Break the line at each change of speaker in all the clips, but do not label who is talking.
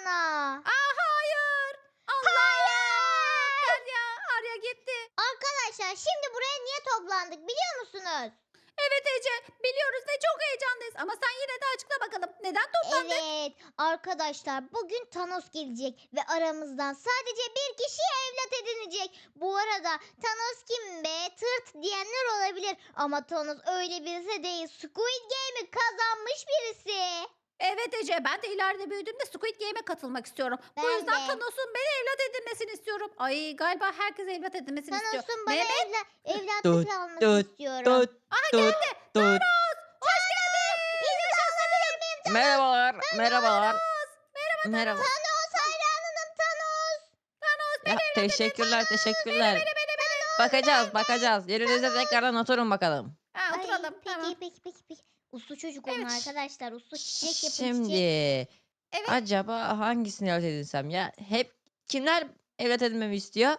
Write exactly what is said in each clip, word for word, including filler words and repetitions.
sana.
Aa hayır. Allah. Derya Arya gitti.
Arkadaşlar şimdi buraya niye toplandık biliyor musunuz?
Evet Ece biliyoruz ve çok heyecanlıyız. Ama sen yine de açıkla bakalım. Neden toplandık?
Evet arkadaşlar bugün Thanos gelecek ve aramızdan sadece bir kişi evlat edinecek. Bu arada Thanos kim be tırt diyenler olabilir ama Thanos öyle birisi değil. Squid Game'i kazanmış birisi.
Evet Ece ben de ileride büyüdüğümde Squid Game'e katılmak istiyorum. Bu
Ben
yüzden
de.
Thanos'un beni evlat edinmesini istiyorum. Ay galiba herkes evlat edinmesini istiyor.
Thanos'un bana
Mehmet
evla
Tut
evlatlık almasını
tut
istiyorum.
tut tut tut.
hoş geldin.
İmza alabilir miyim?
Merhabalar, merhabalar. Merhaba.
Thanos hayranınım Thanos.
Ya, teşekkürler, teşekkürler. Bakacağız, bakacağız. Yerinize tekrardan oturun bakalım.
Ha,
Ay,
oturalım.
peki,
Tamam.
peki peki peki. Uslu çocuk olun
Evet.
arkadaşlar. Uslu çiçek yapın
Şimdi
çiçek.
Evet.
acaba hangisini evlat edinsem ya? Hep kimler evlat edinmemi istiyor?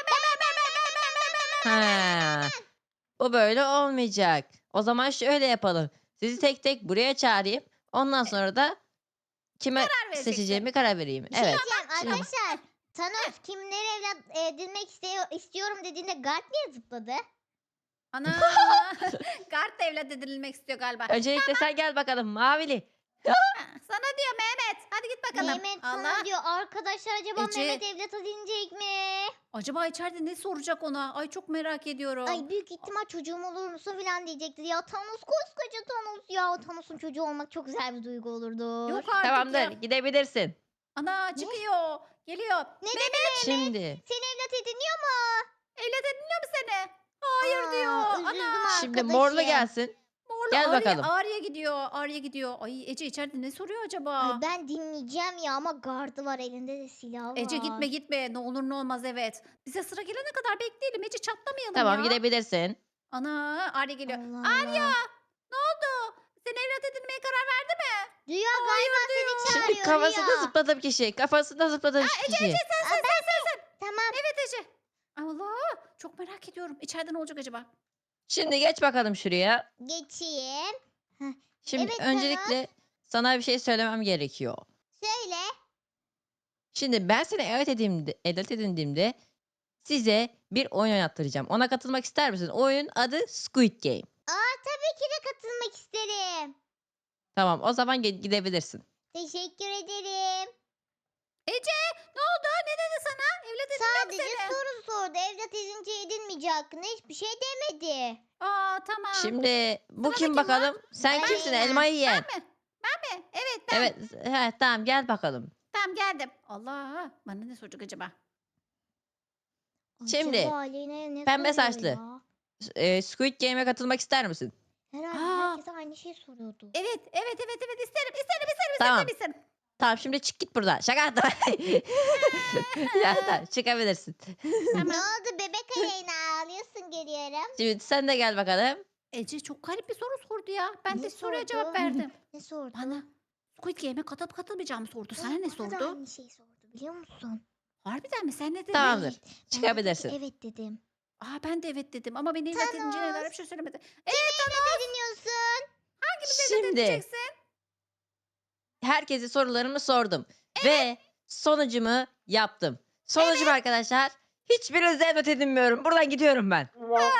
Ha, bu böyle olmayacak. O zaman şöyle yapalım. Sizi tek tek buraya çağırayım. Ondan sonra da kime
Karar vereceksin.
seçeceğimi karar vereyim.
Bir şey
Evet.
diyeceğim
Şimdi-
arkadaşlar. Thanos kimleri evlat edinmek istiyor, istiyorum dediğinde Garp niye zıpladı?
Ana. Kart da evlat edinilmek istiyor galiba.
Öncelikle sen gel bakalım Mavili.
Ha, sana diyor Mehmet. Hadi git bakalım.
Mehmet
Allah.
sana diyor arkadaşlar acaba
Ece.
Mehmet evlat edinecek mi?
Acaba içeride ne soracak ona? Ay çok merak ediyorum.
Ay büyük ihtimal çocuğum olur musun falan diyecektir. Ya Thanos koskoca Thanos ya. Thanos'un çocuğu olmak çok güzel bir duygu olurdu.
Yok artık
Tamamdır,
ya.
gidebilirsin.
Ana çıkıyor. Geliyor.
Ne
Mehmet
dedi Mehmet?
Şimdi,
Seni evlat ediniyor mu?
evlat ediniyor mu seni? Hayır
Aa,
diyor.
üzüldüm
Ana.
şimdi
arkadaşım.
morlu gelsin.
Morlu
Gel
Arya,
bakalım.
Arya gidiyor. Arya gidiyor. Ay Ece içeride ne soruyor acaba?
Ay ben dinleyeceğim ya ama gardı var elinde de silah var.
Ece gitme gitme. Ne olur ne olmaz evet. Bize sıra gelene kadar bekleyelim. Ece çatlamayalım
Tamam,
ya.
gidebilirsin.
Ana Arya geliyor.
Allah
Arya
Allah.
ne oldu? Sen evlat edinmeye karar verdi mi?
Rüya galiba seni çağırıyor
Şimdi kafasında
Rüya.
zıpladım kişi. Kafasında zıpladım kişi.
Sen sen sen sen sen.
Tamam.
Evet Ece. Allah çok merak ediyorum. İçeride ne olacak acaba?
Şimdi geç bakalım şuraya.
Geçeyim.
Şimdi
Evet,
öncelikle sana bir şey söylemem gerekiyor.
Söyle.
Şimdi ben seni evlat edindiğimde, evlat edindiğimde size bir oyun oynattıracağım. Ona katılmak ister misin? Oyunun adı Squid Game.
Aa tabii ki de katılmak isterim.
Tamam, o zaman ge- gidebilirsin.
Teşekkür ederim.
Ece ne oldu? Ne dedi sana? Evlat edinmiyor mu
Sadece
seni?
soru sordu. Evlat edince edinmeyecek hakkında hiçbir şey demedi.
Aa tamam.
Şimdi bu
Sana
kim
kim var?
bakalım? Sen
Ben
kimsin?
değilim.
Elmayı yiyen.
Ben mi? Ben mi? Evet ben.
Evet, he, tamam gel bakalım.
Tamam geldim. Allah bana ne soracak acaba?
Şimdi,
Acaba Aleyna'ya ne
pembe
soruyor
saçlı.
ya?
S- e, Squid Game'e katılmak ister misin?
Herhalde
Aa.
herkese aynı şey soruyordu.
Evet evet evet evet isterim isterim isterim
Tamam.
isterim isterim.
Tamam, şimdi çık git buradan. Şaka yaptım. Ya, tamam, çıkabilirsin.
Tamam.
Ne oldu bebek Aleyna ağlıyorsun görüyorum.
Şimdi sen de gel bakalım.
Ece çok garip bir soru sordu ya. Ben
Ne
de soruya
sordu?
cevap verdim.
Ne sordu?
Bana Squid Game'e katılıp katılmayacağımı sordu. Sana
Ay,
ne
bana da
sordu?
aynı şeyi sordu biliyor musun?
Harbiden mi? Sen ne dedin?
Tamamdır.
Evet, ben de
Çıkabilirsin.
peki evet dedim.
Aa ben de evet dedim ama beni evlat edince neler
Thanos.
bir şey söylemedi.
Ne dinliyorsun?
Hangimiz evlat
Şimdi
edineceksin?
herkese sorularımı sordum. Ve sonucumu yaptım. Sonucum arkadaşlar, hiçbirinize evlat edinmiyorum. Buradan gidiyorum ben.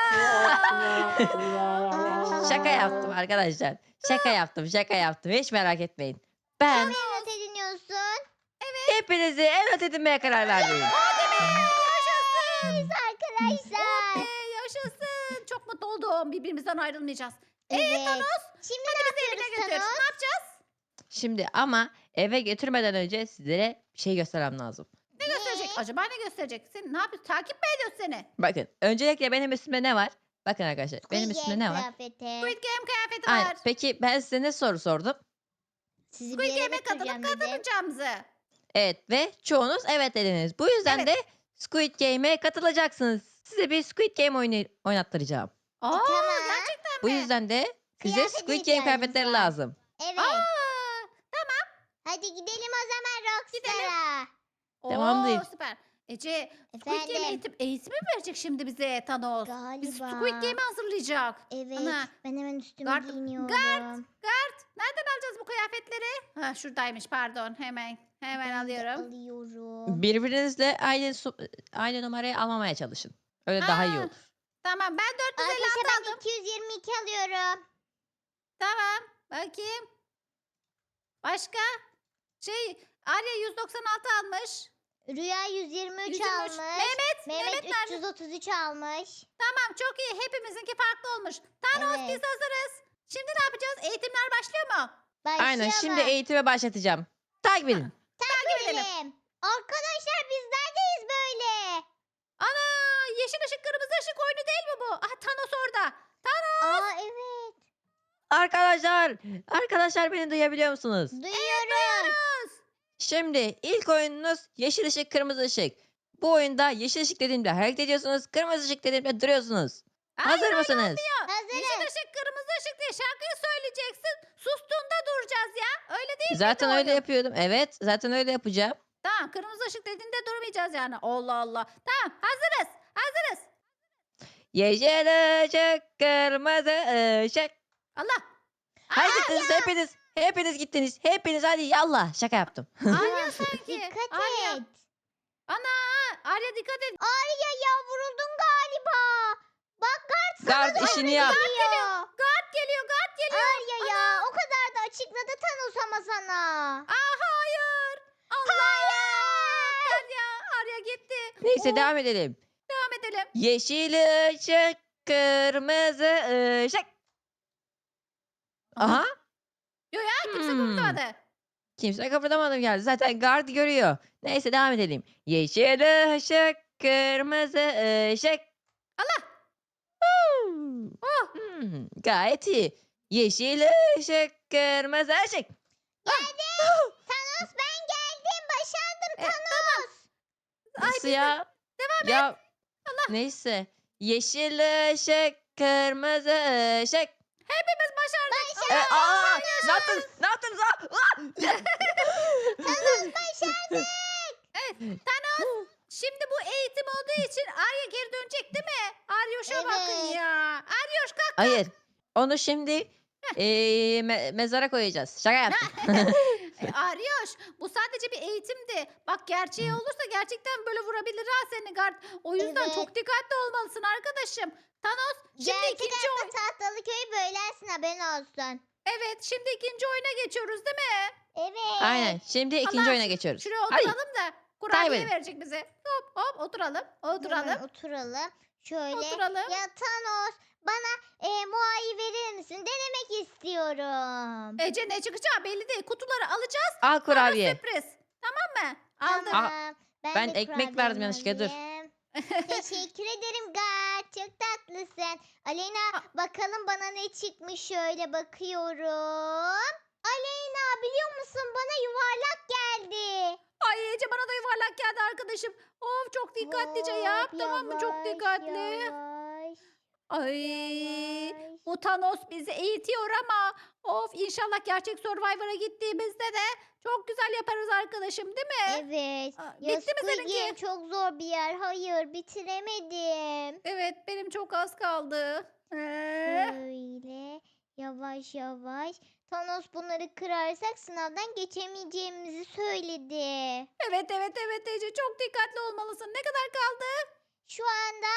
Şaka yaptım arkadaşlar. Şaka yaptım, şaka yaptım. Hiç merak etmeyin. Ben
Evlat ediniyorsun.
hepinizi evlat edinmeye karar verdim.
Yaşasın.
Arkadaşlar.
Ee, yaşasın. Çok mutlu oldum. Birbirimizden ayrılmayacağız.
Evet.
Thanos.
Şimdi
Hadi
ne
bizi evine
yapıyoruz
götür.
Thanos?
Ne yapacağız?
Şimdi ama eve götürmeden önce sizlere bir şey göstermem lazım.
Ne gösterecek? Acaba ne gösterecek? Sen ne yapıyorsun? Takip mi ediyorsun seni?
Bakın, öncelikle benim üstümde ne var? Bakın arkadaşlar, benim
Squid
üstümde
Game
ne var?
kıyafeti.
Squid Game kıyafeti
Aynen.
var.
Peki ben size ne soru sordum?
Sizi bir
Squid
yere
Game'e
götüreceğim
katılıp
dedim.
katılmayacağımızı.
Evet ve çoğunuz evet dediniz. Bu yüzden
Evet.
de Squid Game'e katılacaksınız. Size bir Squid Game oyunu oynattıracağım.
Aa,
E, tamam.
gerçekten
Bu
mi?
yüzden de size
Kıyafete
Squid Game
ihtiyacımız
kıyafetleri
var.
lazım.
Evet.
Aa,
Hadi gidelim o zaman Rockstar'a.
Oo,
Tamamdır.
süper. Ece, Squid Game
Efendim.
eğitim, eğitimi mi verecek şimdi bize Thanos? Biz
Galiba.
Squid Game'i hazırlayacak.
Evet.
Ana.
Ben hemen üstüme
Gard-
giyiniyorum.
Gard. Gart, nereden alacağız bu kıyafetleri? Ha, şuradaymış pardon hemen. Hemen
Ben de
alıyorum.
alıyorum.
Birbirinizle aynı su- aynı numarayı almamaya çalışın. Öyle daha iyi
Aa,
olur.
tamam ben dört yüz elli
Arkadaşlar
altı
ben
aldım.
iki yüz yirmi iki alıyorum.
Tamam. Bakayım. Başka? Şey Arya yüz doksan altı almış.
Rüya yüz yirmi üç
yüz yirmi üç.
almış.
Mehmet.
Mehmet
Mehmet nerede?
üç yüz otuz üç almış.
Tamam çok iyi. Hepimizinki farklı olmuş. Thanos biz
Evet.
hazırız. Şimdi ne yapacağız? Eğitimler başlıyor mu?
Aynen şimdi
Başlayalım.
eğitime başlatacağım. Takip edin.
Takip edelim.
Edelim. Arkadaşlar biz neredeyiz böyle?
Ana yeşil ışık kırmızı ışık oyunu değil mi bu? Ah Thanos orada. Thanos.
Aa evet.
Arkadaşlar, arkadaşlar beni duyabiliyor musunuz?
Duyuyorum.
Şimdi ilk oyununuz yeşil ışık, kırmızı ışık. Bu oyunda yeşil ışık dediğimde hareket ediyorsunuz, kırmızı ışık dediğimde duruyorsunuz.
Hayır,
Hazır
öyle
mısınız?
Yeşil
Hazırız.
ışık kırmızı ışık diye şarkıyı söyleyeceksin. Sustuğunda duracağız ya. Öyle değil
Zaten
miydi
öyle
oyun?
yapıyordum. Evet, zaten öyle yapacağım.
Tamam kırmızı ışık dediğinde durmayacağız yani. Allah Allah. Tamam hazırız. Hazırız.
Yeşil ışık, kırmızı ışık.
Allah.
Haydi kız hepiniz, hepiniz gittiniz. Hepiniz hadi yallah. Şaka yaptım.
Arya sanki.
Dikkat
Arya.
et.
Ana. Arya dikkat et.
Arya ya vuruldun galiba. Bak Gart sana
Gard
doğru
işini yap.
geliyor.
Guard geliyor. Guard geliyor.
Arya ya o kadar da açıkladı Thanos ama sana.
Aa hayır. Allah. Arya. Arya gitti.
Neyse
Oh,
devam edelim.
devam edelim.
Yeşil ışık, kırmızı ışık. Aha.
Yo ya kimse
Hmm.
kıpırdamadı.
Kimse kıpırdamadım geldi. Zaten guard görüyor. Neyse devam edelim. Yeşil ışık, kırmızı ışık.
Allah.
Hmm.
Oh.
Hmm, gayet iyi. Yeşil ışık, kırmızı ışık.
Geldim. Thanos ben geldim. Başardım
E,
Thanos.
Ay,
Nasıl
biz de-
ya?
Devam
Ya
et. Allah.
neyse. Yeşil ışık, kırmızı ışık.
Hepimiz başardık.
Evet,
Allah.
aa, ne yaptınız? Ne yaptınız? Aa, aa.
Thanos başardık.
Evet. Thanos. Şimdi bu eğitim olduğu için Arya geri dönecek değil mi? Aryoş'a bakın
Evet.
ya. Aryoş kalk.
Hayır. Onu şimdi eee, me- mezara koyacağız. Şaka yaptım.
E, Aryoş bu sadece bir eğitimdi. Bak gerçeği olursa gerçekten böyle vurabilir ha seni gard. O yüzden
Evet.
çok dikkatli olmalısın arkadaşım. Thanos şimdi
Gerçek
ikinci
hayatta
oyun.
tahtalı köyü bölersin haberin olsun.
Evet şimdi ikinci oyuna geçiyoruz değil mi?
Evet.
Aynen. Şimdi ikinci
Allah,
oyuna geçiyoruz.
Şuraya
Hadi.
oturalım da kurabiye
Kaybedin.
verecek bize. Hop hop oturalım. Oturalım.
Hemen oturalım. Şöyle.
Oturalım.
Ya Thanos bana e, muayyi verir misin? Denemek istiyorum.
Ece ne çıkacağı belli değil. Kutuları alacağız.
Al
Sonra
kurabiye.
sürpriz. Tamam mı? Aldım.
Tamam.
ben
de
ekmek
kurabiyemi
verdim yanlışlıkla, dur.
alayım. Teşekkür ederim Gat. Çok tatlısın. Aleyna
Ha.
bakalım bana ne çıkmış şöyle bakıyorum. Aleyna biliyor musun bana yuvarlak geldi.
Ay Ece bana da yuvarlak geldi arkadaşım. Of çok dikkatlice yap.
Hop,
Tamam mı? Çok
yavaş,
dikkatli.
Yavaş,
Ay
yavaş.
bu Thanos bizi eğitiyor ama of inşallah gerçek Survivor'a gittiğimizde de çok güzel yaparız arkadaşım değil mi?
Evet.
Aa,
Ya
bitti mi
Squid
seninki?
Game çok zor bir yer. Hayır bitiremedim.
Evet benim çok az kaldı. Ee,
Şöyle yavaş yavaş. Thanos bunları kırarsak sınavdan geçemeyeceğimizi söyledi.
evet evet evet Ece çok dikkatli olmalısın. Ne kadar kaldı?
Şu anda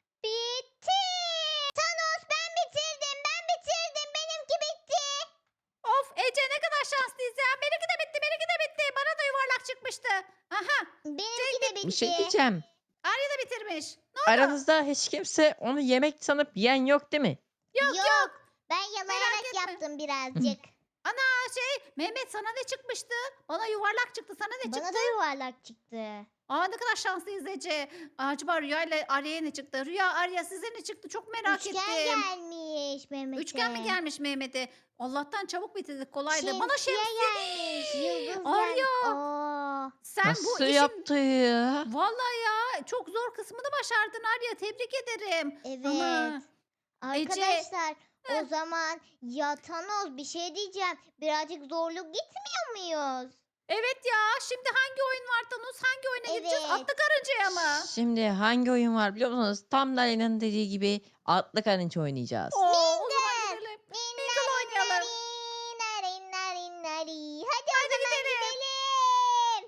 bitti. Thanos ben bitirdim. Ben bitirdim. Benimki bitti.
Of Ece ne kadar şanslıyız ya. Benimki de bitti benimki de bitti. Bana da yuvarlak çıkmıştı. Aha
Benimki de bitti.
Bir şey diyeceğim.
Arya da bitirmiş. Ne oldu?
Aranızda hiç kimse onu yemek sanıp yiyen yok değil mi?
Yok yok.
Ben yalayarak
etme.
yaptım birazcık.
Ana şey Mehmet sana ne çıkmıştı? Bana yuvarlak çıktı. Sana ne
Bana
çıktı?
da yuvarlak çıktı.
Aa ne kadar şanslıyız Ece. Acaba Rüya ile Arya'ya ne çıktı? Rüya Arya size ne çıktı? Çok merak
Üçgen
ettim.
gelmiş Mehmet'e.
Üçgen mi gelmiş Mehmet'e? Allah'tan çabuk bitirdik kolaydı. Bana
Şemsiye
şemsiye
gelmiş. Yıldız
Arya.
gelmiş. Oo.
Sen bu
Nasıl
işin
yaptı ya?
vallahi ya çok zor kısmını başardın Arya. Tebrik ederim.
Evet.
Ana. Ece.
Arkadaşlar o zaman ya Thanos bir şey diyeceğim. Birazcık zorluk gitmiyor muyuz?
Evet ya şimdi hangi oyun var Thanos? Hangi oyuna gideceğiz?
Evet.
Atlı karıncaya mı?
Şimdi hangi oyun var biliyor musunuz? Tam da Alena'nın dediği gibi atlı karınca oynayacağız.
Oo, o zaman gidelim. Mingle oynayalım.
Nari, nari, nari, nari. Hadi,
Hadi
o zaman
gidelim.
gidelim.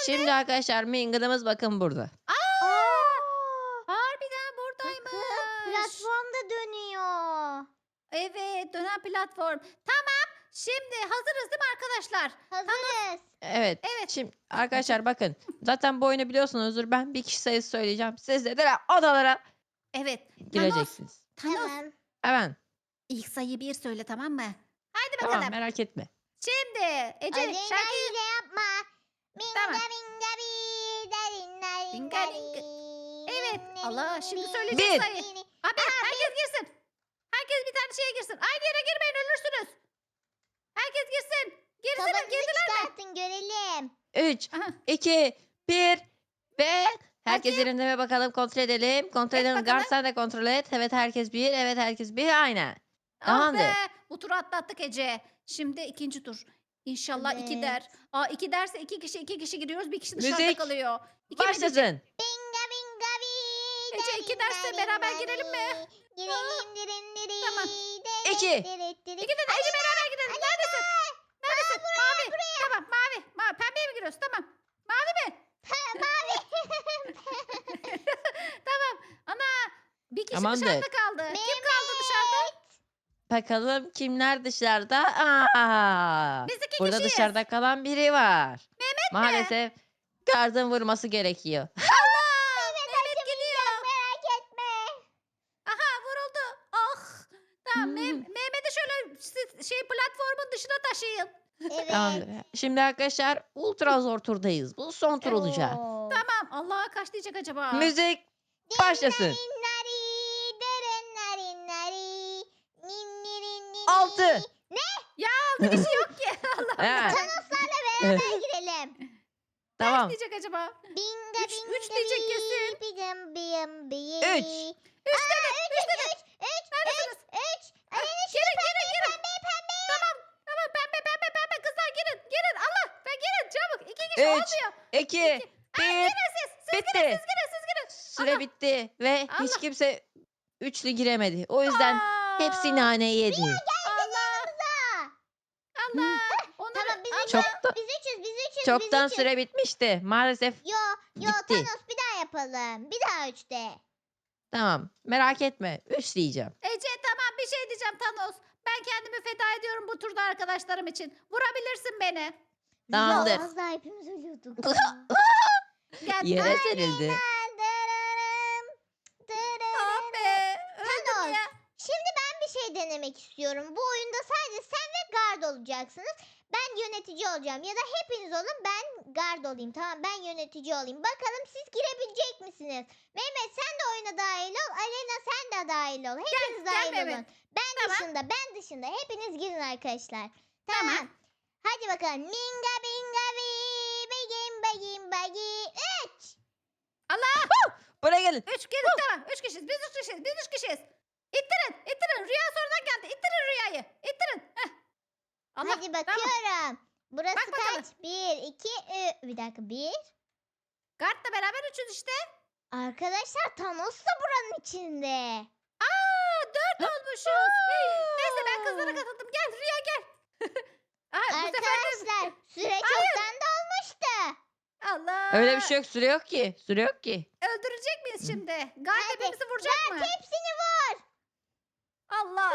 Şimdi arkadaşlar Mingle'ımız bakın burada.
Aa!
Aa,
Harbiden
bakın
buradaymış.
platformda dönüyor.
Evet, dönen platform. Tamam. Şimdi hazırız değil mi arkadaşlar?
Hazırız.
Evet.
Evet.
Şimdi arkadaşlar bakın. Zaten bu oyunu biliyorsunuzdur. Ben bir kişi sayısı söyleyeceğim. Siz de direkt odalara
Evet. Thanos.
gireceksiniz.
Thanos.
Tamam.
Hemen.
İlk sayı bir söyle, tamam mı? Haydi
Tamam
bakalım.
merak etme.
Şimdi Ece
Aleyna
şarkıyı...
hile yapma. Minga
Tamam.
minga bi, daringa
Minga
ringa
minga.
ri,
Evet.
ringa
Allah,
ringa
şimdi
ri,
söyleyeceğiz
Bir.
sayı.
ri.
Abi herkes girsin. Herkes bir tane şeye girsin. Aynı yere girmeyin, ölürsünüz. Herkes girsin. Girsin,
Tabanını
girdiler mi?
çıkartın görelim.
üç,
Aha.
iki, bir ve herkes
Bakayım.
yerinde mi bakalım kontrol edelim. Kontrol
Et
edelim.
bakalım.
Gar sen de kontrol et. Evet herkes bir. Evet herkes bir. Aynen.
Ah
Tamamdır.
be. Bu turu atlattık Ece. Şimdi ikinci tur. İnşallah iki
Evet.
der. Aa iki derse iki kişi iki kişi giriyoruz. Bir kişi dışarıda
Müzik.
kalıyor. İki mi diyecek?
Başlasın.
Binga binga bi,
Ece, iki
daringa
derste beraber
ringa
girelim mi?
ri, girelim dirin diri,
Tamam.
diri,
İki.
diri, diri.
İki de Ece beraber gidelim. Neredesin? Neredesin? Mavi. Tamam mavi. Mavi. Pembeye mi giriyoruz? Tamam. Mavi mi?
Mavi.
Tamam. Ana. Bir kişi
Tamamdır.
dışarıda kaldı. Kim kaldı dışarıda?
Bakalım kimler dışarıda? Aa,
Biz iki
burada
kişiyiz.
dışarıda kalan biri var.
Mehmet mi?
Maalesef gardın vurması gerekiyor.
Allah. Mehmet gidiyor.
Merak etme.
Aha vuruldu. Ah. Tamam.
Hmm.
Meh- Mehmet'i şöyle siz- şey platformun dışına taşıyın.
Evet.
Tamamdır. Şimdi arkadaşlar ultra zor turdayız. Bu son tur olacak.
Oo.
Tamam. Allah'a kaç diyecek acaba?
Müzik başlasın.
Nari, derin nari, nari, nin, niri, niri.
Altı.
Altı kişi yok ki. Allah
He,
Allah.
Thanos'larla beraber girelim.
tamam.
Kaç diyecek acaba?
Binga
Üç-
binga
üç diyecek
bi,
kesin.
bigam biyam biyi.
Üç.
Üç dedi. Üç dedi.
Üç, üç,
Neredesiniz?
üç.
Ah,
Aleyna şu
Girin girin girin.
pembe pembe.
Tamam. Tamam pembe pembe pembe kızlar girin. Girin. Allah. Ben girin çabuk. İki kişi
Üç.
olmuyor.
İki,
Aa,
bir,
girin siz. Siz girin
bitti.
siz girin siz girin.
Süre
Allah.
bitti ve hiç
Allah.
kimse üçlü giremedi. O yüzden
Aa,
hepsi nane yedi.
Allah.
Aa,
Allah. Onları,
Tamam biz
Allah.
üçüz.
Çok-
Biz üçüz. Biz üçüz.
Çoktan
biz üçüz.
süre bitmişti. Maalesef
Yo yo
Gitti.
Thanos bir daha yapalım. Bir daha üçte.
tamam. Merak etme. Üç diyeceğim.
Ece tamam bir şey diyeceğim Thanos. Ben kendimi feda ediyorum bu turda arkadaşlarım için. Vurabilirsin beni.
Tamamdır.
Ya, az daha hepimiz ölüyorduk.
Gel.
Yere serildi.
Dırırım, dırırım.
Ah be. Öldüm
Thanos.
ya.
Şimdi ben bir şey denemek istiyorum. Bu oyunda sadece sen ve guard olacaksınız. Ben yönetici olacağım. Ya da hepiniz olun ben guard olayım. Tamam ben yönetici olayım. Bakalım siz girebilecek misiniz? Mehmet sen de oyuna dahil ol. Alena sen de dahil ol. Hepiniz
gel
dahil
Mehmet.
olun. Ben
Tamam.
dışında ben dışında. Hepiniz girin arkadaşlar. Tamam.
Tamam.
Hadi bakalım. Minga binga bi. Begin begin bagi. Üç.
Allah.
Buraya gelin.
Üç gelin tamam. Üç kişiyiz. Biz üç kişiyiz. Biz üç kişiyiz. İttirin. İttirin. Rüya sonradan geldi. İttirin rüyayı. İttirin. Heh. Allah.
Hadi bakıyorum. Burası
Bak bakalım.
kaç? Bir, iki, üç. Bir dakika. Bir.
Guard'la beraber üçüz işte.
Arkadaşlar Thanos da buranın içinde.
Aa dört olmuşuz. Neyse ben kızlara katıldım. Gel Rüya gel. Aa, bu sefer de...
Arkadaşlar süre çoktan dolmuştu.
Allah.
Öyle bir şey yok. Süre yok ki. Süre yok ki.
Öldürecek miyiz şimdi? Guard
Hadi,
hepimizi vuracak mı?
Hepsini vur.
Allah.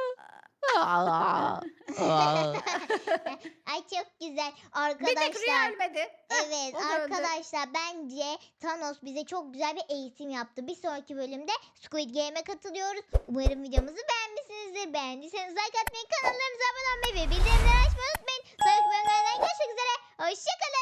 Aa, aa.
Ay çok güzel.
Bir tek Rüya
Arkadaşlar.
ölmedi. Heh,
Evet
o da öldü.
arkadaşlar bence Thanos bize çok güzel bir eğitim yaptı. Bir sonraki bölümde Squid Game'e katılıyoruz. Umarım videomuzu beğenmişsinizdir. Beğendiyseniz like atmayı, kanallarınıza abone olmayı ve bildirimleri açmayı unutmayın. Sonraki bölümlerden görüşmek üzere. Hoşçakalın.